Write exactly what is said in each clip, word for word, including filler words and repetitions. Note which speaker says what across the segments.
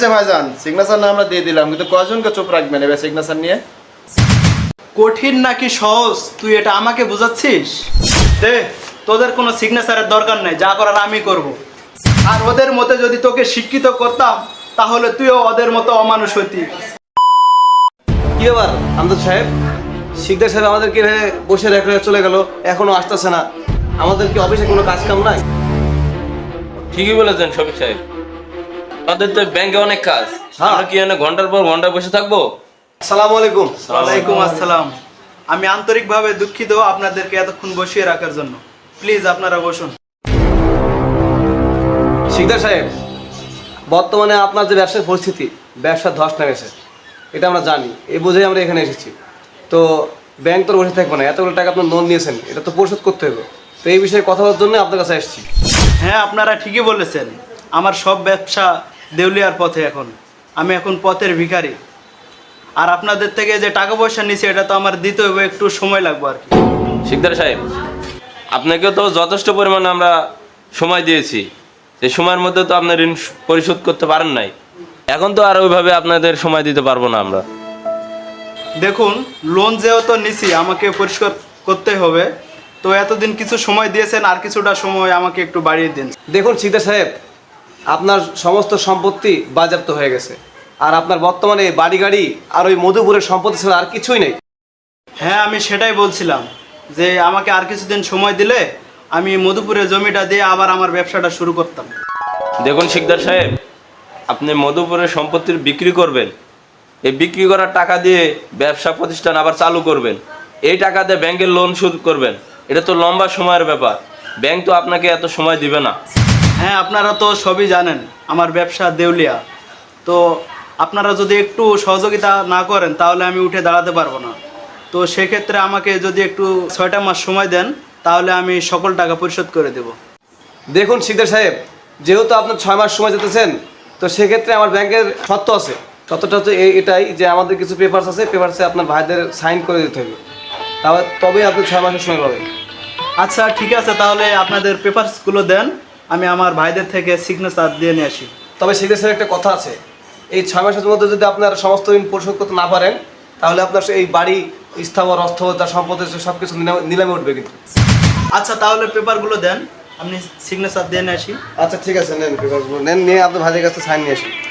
Speaker 1: ভাইজান সিগনেচার না আমরা দিয়ে দিলাম, কিন্তু কয়জনকে চুপ রাখবেন এবার সিগনেচার নিয়ে?
Speaker 2: কঠিন নাকি সহজ তুই এটা আমাকে বোঝাচ্ছিস? দে, তোদের কোনো সিগনেচারের দরকার নেই, যা করার আমি করব। আর ওদের মতে যদি তোকে শিক্ষিত করতাম তাহলে তুইও ওদের মতো অমানুষ হইতি।
Speaker 3: কি ব্যাপার আমদাদ সাহেব? শিকদার সাহেব আমাদেরকে এভাবে বসে রেখে চলে গেল, এখনো আসতেছে না। আমাদের কি অফিসে কোনো কাজ কাম নাই?
Speaker 4: ঠিকই বলেছেন শফিক সাহেব, আমাদের তো ব্যাংকে অনেক কাজ। আমরা কি এখানে ঘন্টার পর ঘন্টা বসে থাকবো?
Speaker 3: আসসালামু আলাইকুম।
Speaker 2: ওয়ালাইকুম আসসালাম। আমি আন্তরিকভাবে দুঃখিত আপনাদেরকে এতক্ষণ বসিয়ে রাখার জন্য। প্লিজ আপনারা বসুন।
Speaker 3: শিকদার সাহেব, বর্তমানে আপনার যে ব্যবসার পরিস্থিতি, ব্যবসার ধস নেমেছে, এটা আমরা জানি। এই বুঝেই আমরা এখানে এসেছি। তো ব্যাংক তো বসে থাকবো না, এতগুলো টাকা আপনার লোন নিয়েছেন, এটা তো পরিশোধ করতে হবে। তো এই বিষয়ে কথা বলার জন্য আপনার কাছে এসেছি।
Speaker 2: হ্যাঁ, আপনারা ঠিকই বলেছেন। আমার সব ব্যবসা দেউলিয়ার পথে। এখন আমি এখন পথের ভিখারি। আর আপনাদের থেকে যে টাকা পয়সা নিছি এটা তো আমার দিতে হবে, একটু সময় লাগবে আর কি।
Speaker 4: শিকদার সাহেব, আপনাকে তো যথেষ্ট পরিমাণে আমরা সময় দিয়েছি। এই সময়ের মধ্যে তো আপনার ঋণ পরিশোধ করতে পারেন নাই। এখন তো আর ওইভাবে আপনাদের সময় দিতে পারবো না আমরা।
Speaker 2: দেখুন, লোন যেহেতু নিছি আমাকে পরিষ্কার করতে হবে। তো এতদিন কিছু সময় দিয়েছেন, আর কিছুটা সময় আমাকে একটু বাড়িয়ে দিন।
Speaker 3: দেখুন শিকদার সাহেব, আপনার সমস্ত সম্পত্তি বাজেয়াপ্ত হয়ে গেছে। আর আপনার বর্তমানে বাড়ি গাড়ি আর ওই মধুপুরের সম্পত্তি ছাড়া আর কিছুই নেই।
Speaker 2: হ্যাঁ, আমি সেটাই বলছিলাম যে আমাকে আর কিছুদিন সময় দিলে আমি মধুপুরের জমিটা দিয়ে আবার আমার ব্যবসাটা শুরু করতাম।
Speaker 4: দেখুন শিকদার সাহেব, আপনি মধুপুরের সম্পত্তির বিক্রি করবেন। এই বিক্রি করার টাকা দিয়ে ব্যবসা প্রতিষ্ঠান আবার চালু করবেন। এই টাকা দিয়ে ব্যাংকের লোন শোধ করবেন। এটা তো লম্বা সময়ের ব্যাপার। ব্যাংক তো আপনাকে এত সময় দিবে না।
Speaker 2: হ্যাঁ, আপনারা তো সবই জানেন আমার ব্যবসা দেউলিয়া। তো আপনারা যদি একটু সহযোগিতা না করেন তাহলে আমি উঠে দাঁড়াতে পারবো না। তো সেক্ষেত্রে আমাকে যদি একটু ছয়টা মাস সময় দেন তাহলে আমি সকল টাকা পরিশোধ করে দেব।
Speaker 3: দেখুন শিকদার সাহেব, যেহেতু আপনার ছয় মাস সময় যেতেছেন, তো সেক্ষেত্রে আমার ব্যাংকের শর্ত আছে। শর্তটা হচ্ছে এই এটাই যে আমাদের কিছু পেপারস আছে, পেপারসে আপনার ভাইদের সাইন করে দিতে হবে, তাহলে তবেই আপনি ছয় মাসের সময় পাবেন।
Speaker 2: আচ্ছা ঠিক আছে, তাহলে আপনাদের পেপারসগুলো দেন, আমি আমার ভাইদের থেকে সিগনেচার দিয়ে নিয়ে আসি।
Speaker 3: তবে শিকদার সাহেব একটা কথা আছে, এই ছয় মাসের মধ্যে যদি আপনার সমস্ত ঋণ পরিশোধ করতে না পারেন তাহলে আপনার এই বাড়ি স্থাবর অর্থ সম্পত্তি সব কিছু নিলামে উঠবে কিন্তু।
Speaker 2: আচ্ছা তাহলে পেপারগুলো দেন, আপনি সিগনেচার দিয়ে নিয়ে আসি।
Speaker 3: আচ্ছা ঠিক আছে, নেন পেপারসগুলো নেন, নিয়ে আপনার ভাইদের কাছে সাইন নিয়ে আসুন।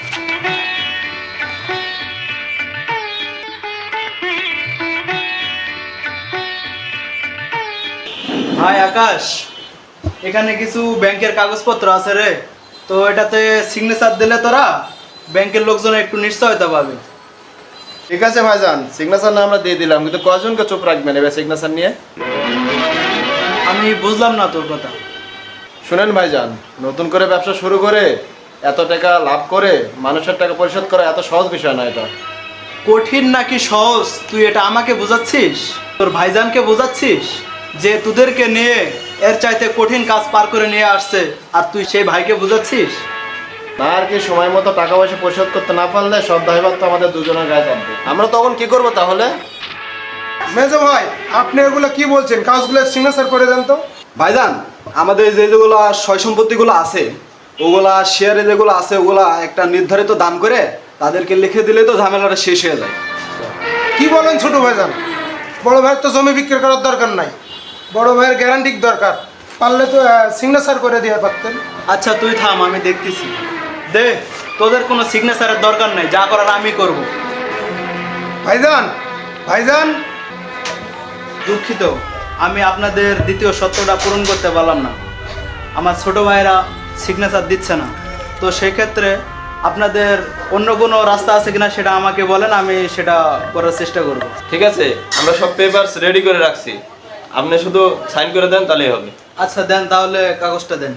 Speaker 2: ভাই আকাশ, এখানে কিছু ব্যাংকের কাগজপত্র আছে রে। তো এটাতে সিগনেচার দিলে তোরা ব্যাংকের লোকজন একটু নিশ্চয়তা পাবে।
Speaker 1: ঠিক আছে ভাইজান, সিগনেচার না আমরা দিয়ে দিলাম, কিন্তু কয়জনকে চুপ রাখবেন এবার সিগনেচার নিয়ে?
Speaker 2: আমি বুঝলাম না তোর কথা।
Speaker 1: শুনেন ভাইজান, নতুন করে ব্যবসা শুরু করে এত টাকা লাভ করে মানুষের টাকা পরিশোধ করা এত সহজ বিষয় না। এটা
Speaker 2: কঠিন নাকি সহজ তুই এটা আমাকে বোঝাচ্ছিস? তোর ভাইজানকে বোঝাচ্ছিস যে তোদেরকে নিয়ে এর চাইতে কঠিন কাজ পার করে নিয়ে আসছে, আর তুই সেই ভাইকে বোঝাচ্ছিস?
Speaker 1: না, আর কি সময় মতো টাকা পয়সা পরিশোধ করতে না পারলে সব দায়ভার তো আমাদের দুজনের গায়ে চাপবে। আমরা তখন কি করবো তাহলে?
Speaker 5: মেজো ভাই, আপনি এগুলো কি বলছেন? কাজগুলো সিগনেচার করে দেন তো।
Speaker 6: ভাইজান, আমাদের যে যেগুলো সয় সম্পত্তিগুলো আছে, ওগুলা শেয়ারে যেগুলো আছে, ওগুলা একটা নির্ধারিত দাম করে তাদেরকে লিখে দিলে তো ঝামেলাটা শেষ হয়ে যায়।
Speaker 5: কি বলেন ছোট ভাইজান? বড় ভাইয়ের তো জমি বিক্রি করার দরকার নাই, বড় ভাইয়ের গ্যারান্টি দরকার। পারলে তো সিগনেচার করে দিয়ে পারতেন।
Speaker 2: আচ্ছা তুই থাম, আমি দেখতেছি। দে, তোদের কোনো সিগনেচারের দরকার নেই, যা করার আমি করব।
Speaker 5: ভাইজান, ভাইজান,
Speaker 2: দুঃখিত, আমি আপনাদের দ্বিতীয় সত্যটা পূরণ করতে পারলাম না। আমার ছোট ভাইরা সিগনেচার দিচ্ছে না। তো সেক্ষেত্রে আপনাদের অন্য কোনো রাস্তা আছে কিনা সেটা আমাকে বলেন, আমি সেটা করার চেষ্টা করব।
Speaker 4: ঠিক আছে, আমরা সব পেপারস রেডি করে রাখছি। আপনি শুধু সাইন করে দেন, তাহলেই হবে।
Speaker 2: আচ্ছা দেন, তাহলে কাগজটা দেন।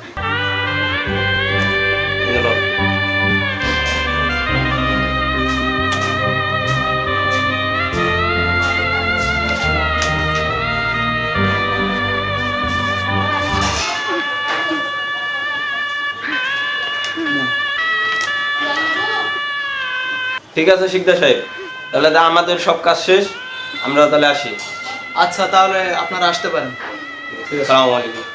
Speaker 4: ঠিক আছে শিকদার সাহেব, তাহলে তা আমাদের সব কাজ শেষ, আমরা তাহলে আসি।
Speaker 2: আচ্ছা তাহলে আপনারা আসতে পারেন।
Speaker 4: আসসালামু আলাইকুম।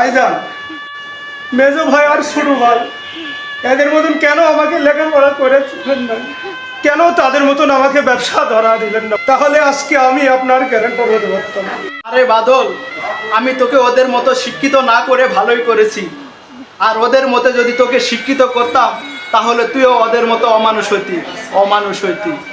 Speaker 5: ভাইজান, মেজো ভাই আর ছোট ভাই এদের মতন কেন আমাকে লেখাপড়া করেছিলেন না? কেন তাদের মতন আমাকে ব্যবসা ধরা দিলেন না? তাহলে আজকে আমি আপনার গ্যারান্টার হতে পারতাম।
Speaker 2: আরে বাদল, আমি তোকে ওদের মতো শিক্ষিত না করে ভালোই করেছি। আর ওদের মতো যদি তোকে শিক্ষিত করতাম তাহলে তুইও ওদের মতো অমানুষ হইতি অমানুষ হইতি